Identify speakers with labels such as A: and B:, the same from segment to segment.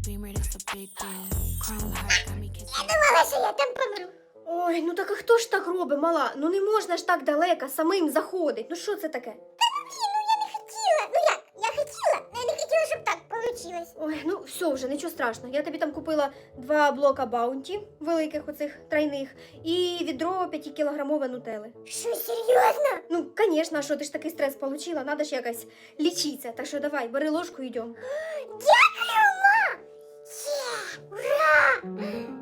A: Я думала, що я там помру.
B: Ой, ну так а хто ж так робить, мала? Ну не можна ж так далеко самим заходить. Ну що це таке?
A: Блін, ну я не хотіла. Ну як? Я хотіла, але я не хотіла, щоб так вийшло.
B: Ой, ну все вже, нічого страшного. Я тобі там купила 2 блока баунті, великих оцих тройних, і відро 5-кілограмове нутели.
A: Що, серйозно?
B: Ну, звісно, а що ти ж такий стрес получила, надо ж якось лічитися. Так що давай, бери ложку і йдемо.
A: Дякую, ма! Є, ура!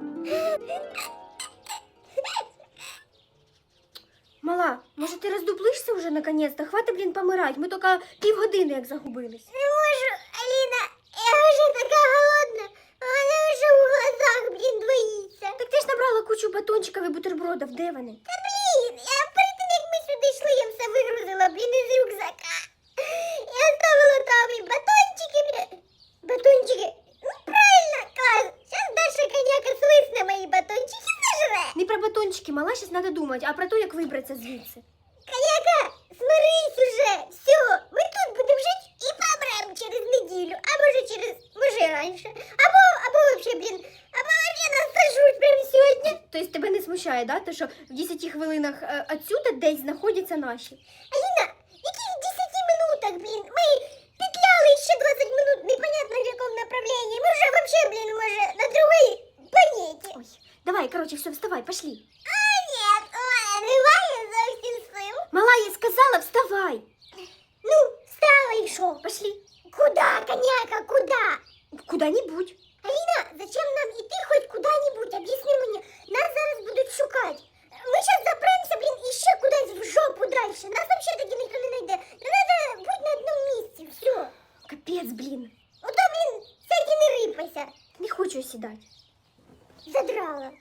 B: Мала, може ти роздуплишся вже наконець-то? Хватить, блін, помирать. Ми тільки півгодини як загубились.
A: Не можу, Аліна, я вже така голодна, а вона вже у глазах, блін, двоїться.
B: Так ти ж набрала кучу батончиків і бутербродів, де вони?
A: Та блін, я перед тим, як ми сюди йшли, я все вигрузила, блін, із рюкзака. Я ставила там і батончики, блін. Батончики? Ну, правильно, клас. Зараз Даша коняка свисне мої батончики зажре.
B: Не про батончики, мала, зараз треба думати, а про те, як вибратися звідси.
A: Коняка, смирись уже. Все, ми тут будемо жити і помремо через неділю, а може раніше. Або вообще, блін, або вообще нас сожруть прямо сьогодні.
B: Тобто тебе не смущає, да? Те, що в 10 хвилинах отсюда десь знаходяться наші?
A: Аліна, яких 10 минутах, блін? Ми петляли ще 20 минут, непонятно в якому направленні. Ми вже вообще, блін, може, на другій планеті.
B: Ой, давай, короче, все, вставай, пошли.
A: А, ні, немає зовсім сил.
B: Мала, я сказала, вставай.
A: Ну, встала і що?
B: Пошли.
A: Куда, коняка, куда?
B: Куда-нибудь.
A: Аліна, зачем нам іти хоч куди-небудь? Об'ясни мені, нас зараз будуть шукати. Ми зараз запремся, блін, і ще кудись в жопу дальше. Нас вообще тоді ніхто не знайде. Треба бути на одному місці, все.
B: Капець, блін.
A: Ото, блін, сядь і не рипайся.
B: Не хочу сідати.
A: Задрала.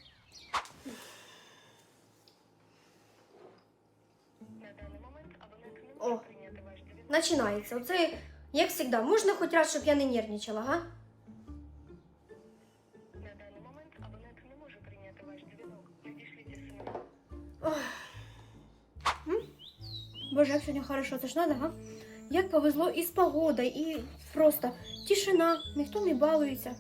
B: О, починається. Оце, як завжди, можна хоч раз, щоб я не нервничала, га?
C: На даний момент абонент не може прийняти ваш дзвінок. Надішліть смс.
B: Ой. Боже, як сьогодні хорошо, це ж надо, га? Як повезло і з погодою, і просто тишина, ніхто не балується.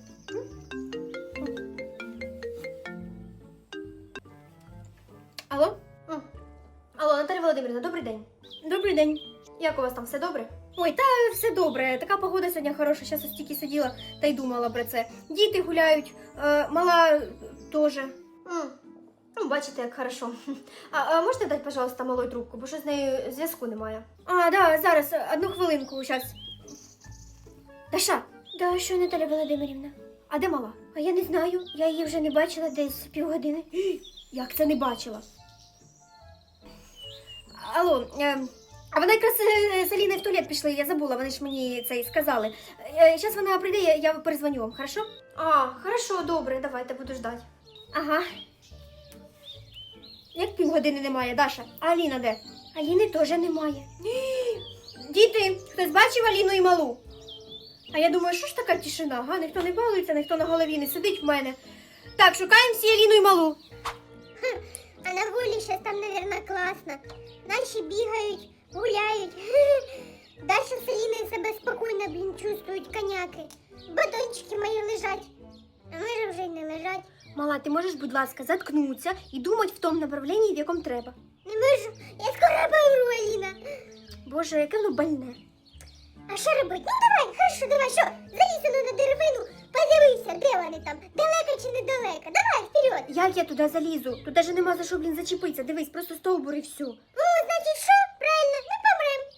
B: Алло? Алло, Наталя Володимирівна, добрий день. Добрий день. Як у вас там, все добре? Ой, та все добре. Така погода сьогодні хороша. Зараз ось тільки сиділа та й думала про це. Діти гуляють, мала теж. Ну, бачите, як хорошо. А можете дати, пожалуйста, малою трубку, бо що з нею зв'язку немає. А, да, зараз, одну хвилинку, зараз. Даша. Да, що, Наталя Володимирівна? А де мала? А я не знаю, я її вже не бачила десь півгодини. Як це не бачила? Алло, а вона якраз з Аліною в туалет пішли, я забула, вони ж мені це і сказали. Зараз вона прийде, я перезвоню вам, хорошо? А, хорошо, добре, давайте, буду ждати. Ага. Як півгодини немає, Даша? А Аліна де? Аліни теж немає. Діти, хтось бачив Аліну і малу? А я думаю, що ж така тишина, га? Ніхто не балується, ніхто на голові не сидить в мене. Так, шукаємо всі Аліну і малу.
A: А на волі зараз там, мабуть, класно. Наші бігають, гуляють. Даша з Аліною себе спокійно, блін, чувствують коняки. Батончики мої лежать. А може вже й не лежать.
B: Мала, ти можеш, будь ласка, заткнутися і думати в тому направленні, в якому треба.
A: Не можу, я скоро помру, Аліна.
B: Боже, яке воно больне.
A: А що робити? Ну давай, хорошо, давай, що? Залізь на деревину, подивися, де вони там, далеко чи недалеко. Давай, вперед.
B: Як я туди залізу? Тут навіть нема за що, блін, зачепитися. Дивись, просто стовбур і все.
A: Ну, значить, що? Правильно, ми помремо.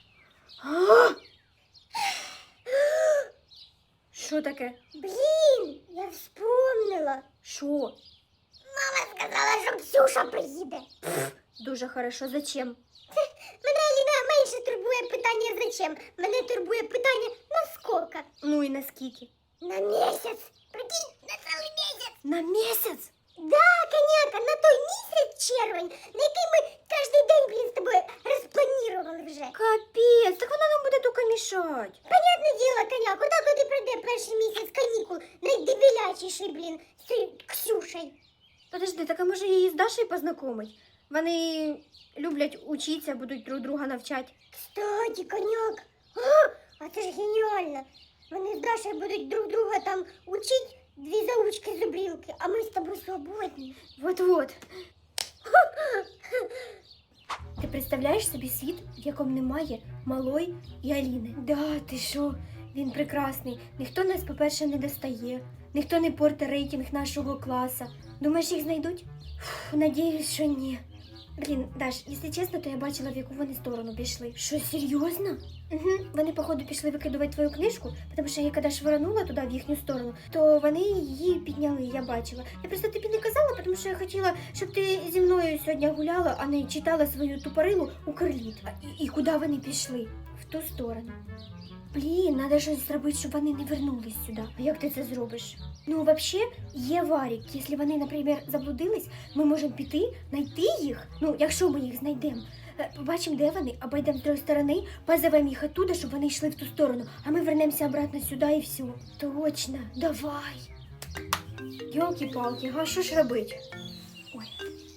B: Що таке?
A: Блін, я вспомнила.
B: Що?
A: Мама сказала, що Ксюша приїде.
B: Дуже хорошо. Зачем?
A: Мене, Аліна, менше турбує питання зачем. Мене турбує питання наскільки.
B: Ну і наскільки?
A: На місяць. Прикинь, на цілий місяць.
B: На місяць?
A: Да, коняка, на той місяць червень, на який ми кожен день, блін, з тобою розпланували вже.
B: Капець, так вона нам буде тільки мішати.
A: Понятне діло, коняк, куди коли пройде перший місяць канікул, найдебілячіший, блін, з цією Ксюшею.
B: Подожди, так а може її з Дашею познайомить? Вони люблять учитися, будуть друг друга навчати.
A: Кстати, коняк, а це ж геніально. Вони з Дашею будуть друг друга там учить дві заучки зубрілки, а ми з тобою свободні.
B: Вот-вот. Ти представляєш собі світ, в якому немає Малої і Аліни? Да, ти що? Він прекрасний. Ніхто нас, по-перше, не достає. Ніхто не портить рейтинг нашого класу. Думаєш, їх знайдуть? Фу, надіюсь, що ні. Блін, Даш, якщо чесно, то я бачила, в яку вони сторону пішли. Що, серйозно? Угу. Вони, походу, пішли викидувати твою книжку, тому що я коли швиранула туди, в їхню сторону, то вони її підняли, я бачила. Я просто тобі не казала, тому що я хотіла, щоб ти зі мною сьогодні гуляла, а не читала свою тупорилу Укрліт. І куди вони пішли? В ту сторону. Блін, треба щось зробити, щоб вони не вернулись сюди. А як ти це зробиш? Ну, взагалі, є варік. Якщо вони, наприклад, заблудились, ми можемо піти, знайти їх. Ну, якщо ми їх знайдемо. Побачимо, де вони, обійдемо з другої сторони, позовемо їх оттуда, щоб вони йшли в ту сторону. А ми вернемося обратно сюди і все. Точно, давай. Йолки-палки, а що ж робити? Ой.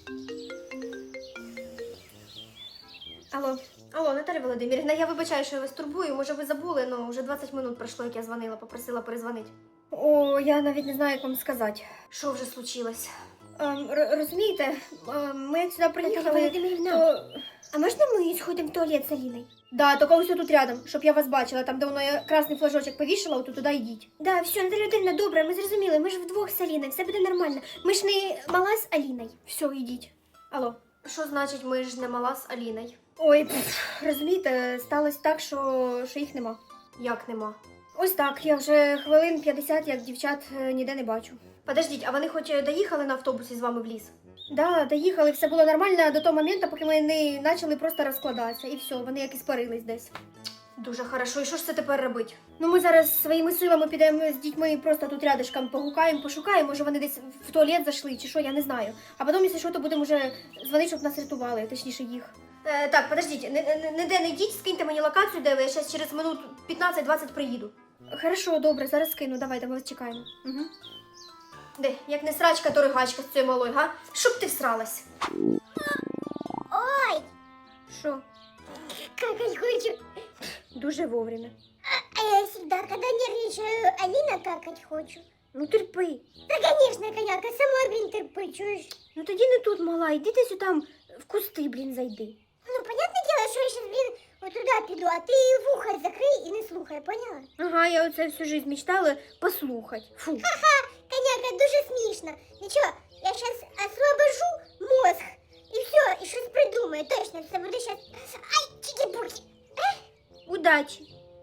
B: Алло, Наталя Володимирівна, я вибачаю, що я вас турбую. Може, ви забули, але вже 20 минут пройшло, як я дзвонила, попросила перезвонити. О, я навіть не знаю, як вам сказати. Що вже случилось? Розумієте, ми як сюди приїхали, то... А можна ми сходимо в туалет з Аліною? Да, тільки ось тут рядом, щоб я вас бачила. Там, де воно я красний флажочок повішала, от туди йдіть. Да, все, Наталя Володимирівна, добре, ми зрозуміли. Ми ж вдвох з Аліною, все буде нормально. Ми ж не мала з Аліною. Все, йдіть. Алло. Що значить, ми ж не мала з Аліною? Ой, розумієте, сталося так, що їх нема. Як нема? Ось так, я вже хвилин 50, як дівчат ніде не бачу. Подождіть, а вони хоч доїхали на автобусі з вами в ліс? Да, доїхали, все було нормально до того моменту, поки ми не почали просто розкладатися. І все, вони як і спарились десь. Дуже хорошо, і що ж це тепер робити? Ну ми зараз своїми силами підемо з дітьми просто тут рядышком погукаємо, пошукаємо, може вони десь в туалет зайшли чи що, я не знаю. А потім, якщо що, то будемо вже дзвонити, щоб нас рятували, точніше їх. Так, подождіть, ніде не йдіть, скиньте мені локацію, де я зараз через минут 15-20 приїду. Хорошо, добре, зараз скину, давайте, ми вас чекаємо. Угу. Де, як не срачка, то ригачка з цією малою, га? Щоб ти всралась.
A: Ой,
B: Що?
A: какать хочу.
B: Дуже вовремя.
A: А я всегда, когда нервничаю, Алина какать хочу.
B: Ну терпи.
A: Да, конечно, коняка, сама, блин, терпи, чуешь?
B: Ну тоді не тут, мала, іди ти сюди там в кусти, блін, зайди.
A: Ну, понятное дело, что я сейчас, блин, вот туда пойду, а ты вухо закрой и не слухай, поняла?
B: Ага, я оце всю жизнь мечтала послухати. Фу.
A: Ха-ха, коняка, дуже смешно. Ничего, я сейчас освобожу мозг, и все, и что-то придумаю, точно, это буду сейчас... Ай, чики-пуки.
B: Удачі.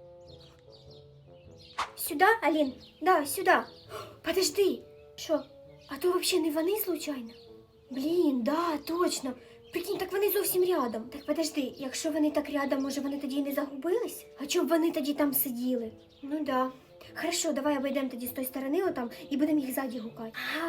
B: Сюда, Алін? Да, сюда. Подожди. Що? А то взагалі не вони случайно? Блін, да, точно. Прикинь, так вони зовсім рядом. Так подожди, якщо вони так рядом, може вони тоді і не загубились? А чому б вони тоді там сиділи? Ну да. Хорошо, давай обійдемо тоді з тої сторони отам і будемо їх ззаді гукати. Ага.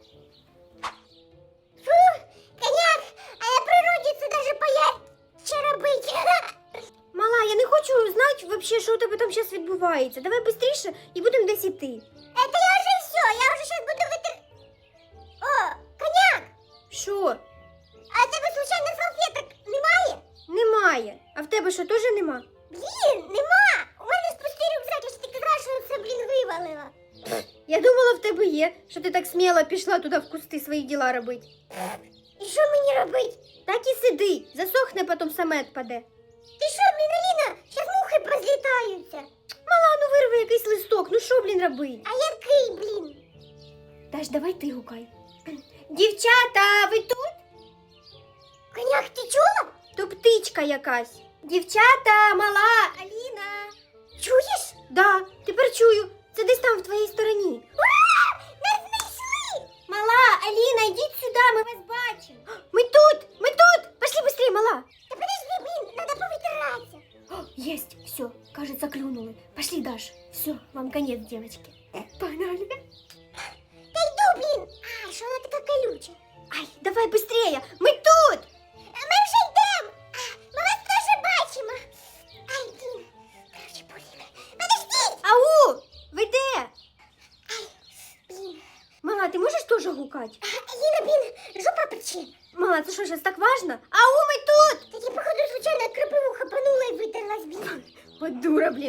A: Фу, коняк, а на природе це даже поярче робить.
B: Мала, я не хочу знати вообще, що у тебе там зараз відбувається. Давай швидше і будемо десь іти.
A: Это я уже все, я уже сейчас буду вытер... О, коняк,
B: Що?
A: а в тебе случайно салфеток немає?
B: Немає. А в тебе що, теж нема?
A: Блін, нема. У мене ж пустий рюкзак, я ж ти казала, що це, блін, вивалила.
B: Я думала, в тебе є, що ти так сміло пішла туди в кусти свої діла робити.
A: І що мені робити?
B: Так і сиди, засохне, потім саме відпаде.
A: Ти що, блін, Аліна, щас мухи позлітаються.
B: Мала, ну вирви якийсь листок, ну що, блін, робити?
A: А який, блін?
B: Даш, давай ти гукай. Дівчата, ви тут?
A: Коняк, ти чула?
B: То птичка якась. Дівчата, мала, Аліна.
A: Чуєш?
B: Да, тепер чую. Це десь там в твоїй стороні.
A: Ура! Нас знайшли!
B: Мала, Аліна, йдіть сюди, ми вас бачимо. Ми тут. Пошли быстрее, мала.
A: Та подожди, блін, надо повитиратися.
B: О, есть, все, кажется, клюнули. Пошли, Даш. Все, вам конец, девочки. Погнали.
A: Та йду, блін. А, що вона така колюча?
B: Ай, давай быстрее, мы тут.
A: Ми вже йдемо. Ми вас теж бачимо. Ай, блін. Короче, блін. Подожди!
B: Ау, ви де?
A: Блін.
B: Мала, ти можеш теж гукати?
A: Аліна, блін, жопа пече.
B: Мала, це що, зараз так важно? Ау, ми тут.
A: Та я, походу, случайно кропиву хапанула і витерлась, блін.
B: От дура, блін.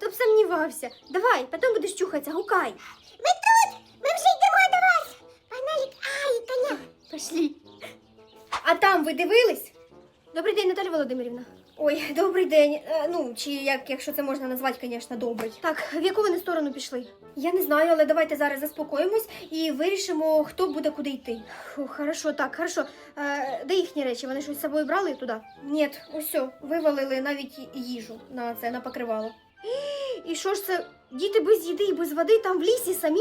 B: Хто б сумнівався. Давай, потім будеш чухатися, гукай.
A: Ми тут! Ми вже йдемо до вас! Погнали! Ай, коня!
B: Пошли. А там ви дивились? Добрий день, Наталя Володимирівна. Ой, добрий день. Ну, чи якщо це можна назвати, звісно, добрий. Так, в яку вони сторону пішли? Я не знаю, але давайте зараз заспокоїмось і вирішимо, хто буде куди йти. Фу, хорошо, так, хорошо. Де їхні речі? Вони щось з собою брали туди? Ні, усе, вивалили навіть їжу на покривало. І що ж це? Діти без їди і без води там в лісі самі?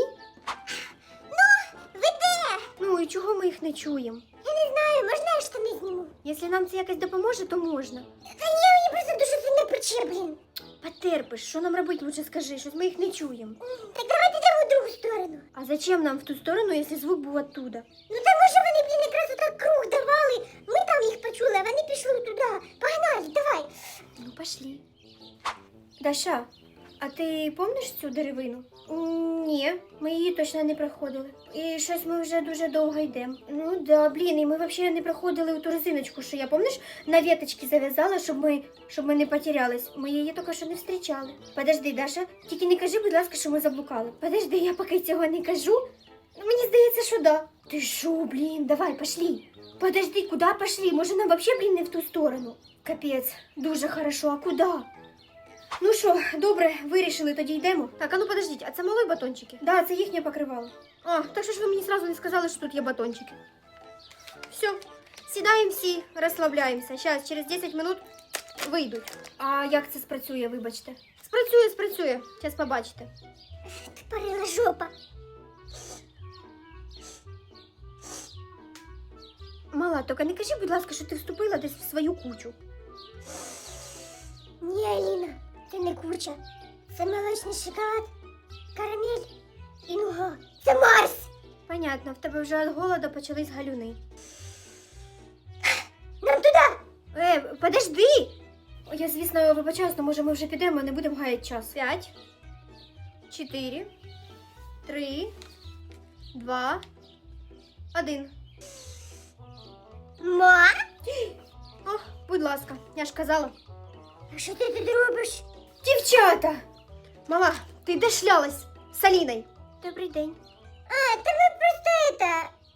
A: Ви де?
B: Ну і чого ми їх не чуємо?
A: Я не знаю, можна я штани зніму?
B: Якщо нам це якось допоможе, то можна.
A: Та ні, мені просто дуже сильно пече, блін.
B: Потерпиш, що нам робити, лучше скажи, щось ми їх не чуємо.
A: Так давайте йдемо в другу сторону.
B: А зачем нам в ту сторону, якщо звук був оттуда?
A: Ну та може вони, блін, якраз отак круг давали. Ми там їх почули, а вони пішли туди. Погнали, давай.
B: Ну, пошли. Даша, а ти пам'ятаєш цю деревину? Ні, ми її точно не проходили. І щось ми вже дуже довго йдемо. Ну да, блін, і ми взагалі не проходили ту резиночку, що я, пам'ятаєш, на веточки зав'язала, щоб ми не потерялись. Ми її тільки що не зустрічали. Подожди, Даша, тільки не кажи, будь ласка, що ми заблукали. Подожди, я поки цього не кажу. Ну, мені здається, що да. Ти що, блін, давай, пошли. Подожди, куди пошли? Може нам взагалі, блін, не в ту сторону? Капець, дуже хорошо, а куди? Ну що, добре, вирішили, тоді йдемо. Так, а ну подождіть, а це мали батончики? Да, це їхнє покривало. А, так що ж ви мені сразу не сказали, що тут є батончики? Все, сідаємо всі, розслабляємося. Зараз, через 10 минут вийдуть. А як це спрацює, вибачте? Спрацює. Зараз побачите.
A: Тупорила жопа.
B: Мала, тільки не кажи, будь ласка, що ти вступила десь в свою кучу.
A: Ні, Аліна, це не курча. Це молочний шоколад, карамель і нуга. Це Марс!
B: Понятно, в тебе вже від голоду почались галюни.
A: Нам туди!
B: Подожди! Я, звісно, вибачаюсь, але може ми вже підемо, не будемо гаяти час. 5, 4, 3, 2, 1.
A: Ма?
B: О, будь ласка, я ж казала.
A: А що ти тут робиш?
B: Дівчата! Мала, ти де шлялась з Аліною? Добрий день.
A: А, та ми просто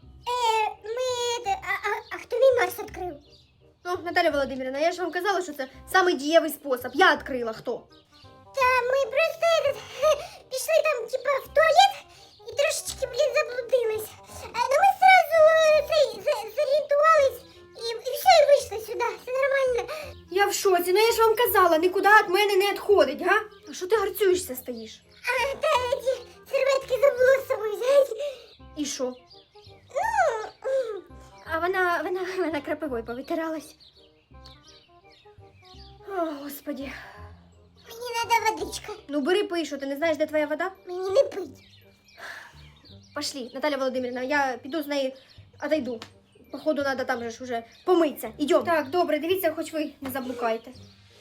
A: А хто мій Марс відкрив?
B: Ну, Наталя Володимирівна, я ж вам казала, що це самий дієвий спосіб. Я відкрила, хто?
A: Та ми просто пішли там, типа, в туалет і трошечки, блін, заблудились. Ну ми сразу зорієнтувались і все, і вийшли сюди. Все нормально.
B: Я в шоці, ну я ж вам казала, нікуди від мене не відходить, га? А що ти гарцюєшся стоїш?
A: А, та ці серветки забула з собою взяти.
B: І що?
A: Ну,
B: А вона крапивою повитиралась. О, Господі.
A: мені треба водичка.
B: Ну бери пий, що ти не знаєш, де твоя вода?
A: Мені не пить.
B: Пошли, Наталя Володимирівна, я піду з нею отойду. Походу, треба там же ж уже помитися. Ідем. Так, добре, дивіться, хоч ви не заблукаєте.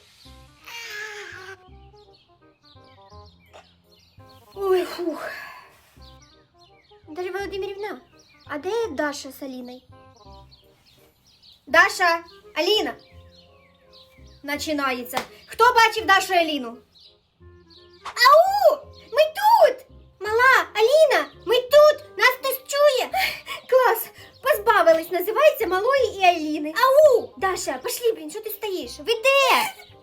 B: Ой, фух. Наталя Володимирівна, а де Даша з Аліною? Даша, Аліна. Начинається. Хто бачив Дашу і Аліну? Ау! Ми тут! Мала, Аліна, ми тут! Нас хтось чує! Клас! Позбавились, називається Малої і Аліни. Ау! Даша, пошли, блін, що ти стоїш? Ви де?